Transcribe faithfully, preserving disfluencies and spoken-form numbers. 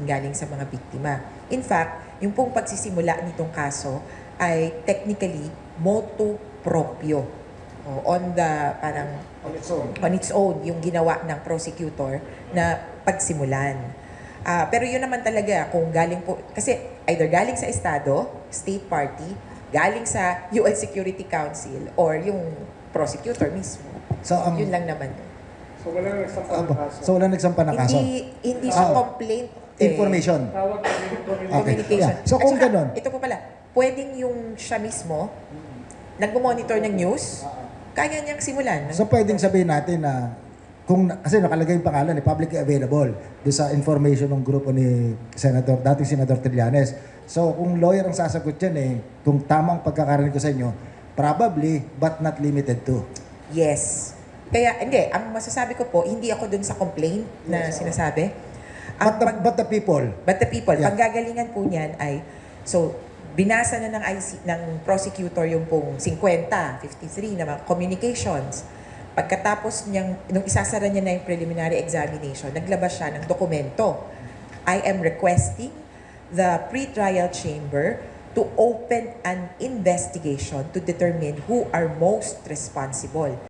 galing sa mga biktima. In fact, yung pong pagsisimula nitong kaso ay technically motu proprio. O, on the parang On its own. on its own yung ginawa ng prosecutor na pagsimulan. Ah, pero yun naman talaga kung galing po, kasi either galing sa Estado, state party, galing sa U N Security Council, or yung prosecutor mismo. So, ang- yun lang naman. So walang nagsampa Ah, ng kaso. so wala nagsampa ng kaso? Hindi, hindi siya Ah, complaint. eh. Information. Tawag na rin ito. Okay. Communication. Yeah. So, At kung saka, ganun- ito po pala, pwedeng yung siya mismo, nagmo-monitor ng news, kaya niyang simulan. So pwedeng sabihin natin na kung kasi nakalagay yung pangalan eh, publicly available do sa information ng grupo ni Senator, dating Senator Trillanes. So kung lawyer ang sasagot yan eh, kung tamang pagkakarinig ko sa inyo, probably but not limited to. Yes. Kaya, hindi, ang masasabi ko po, hindi ako dun sa complaint na sinasabi. Ang But the, pag- but the people, But the people, Yeah. panggagalingan po niyan ay, so, binasa na ng, I C, ng prosecutor yung pong fifty, fifty-three na mga communications. Pagkatapos niyang, nung isasara niya na yung preliminary examination, naglabas siya ng dokumento. I am requesting the pre-trial chamber to open an investigation to determine who are most responsible.